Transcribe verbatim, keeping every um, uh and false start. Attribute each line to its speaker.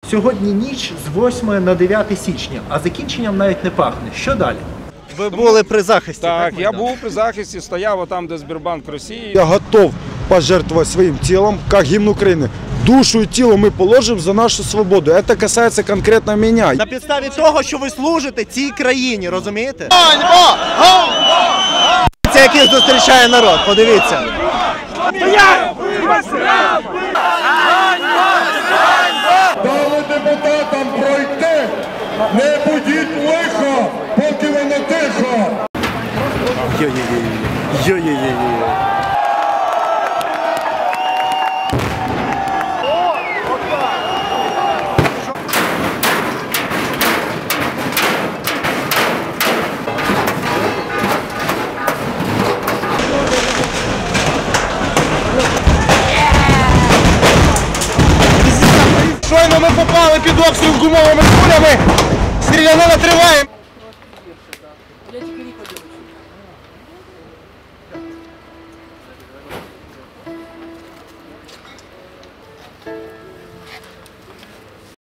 Speaker 1: Сьогодні ніч з восьмого на дев'яте січня, а закінченням навіть не пахне. Що далі? Ви були при захисті, так?
Speaker 2: Так, я був при захисті, стояв там, де Сбербанк Росії.
Speaker 3: Я готов пожертвовать своим телом, как гимн Украины. Душу и тело мы положим за нашу свободу. Это касается конкретно меня.
Speaker 1: На підставі того, що ви служите цій країні, розумієте? Це який зустрічає народ, подивіться.
Speaker 4: Дали депутатам пройти, не будіть лихо, поки воно тихо.
Speaker 1: Йо-йо-йо-йо. Йо-йо-йо-йо.
Speaker 3: Щойно ми попали під обстріл гумовими кулями. Стрілянина триває.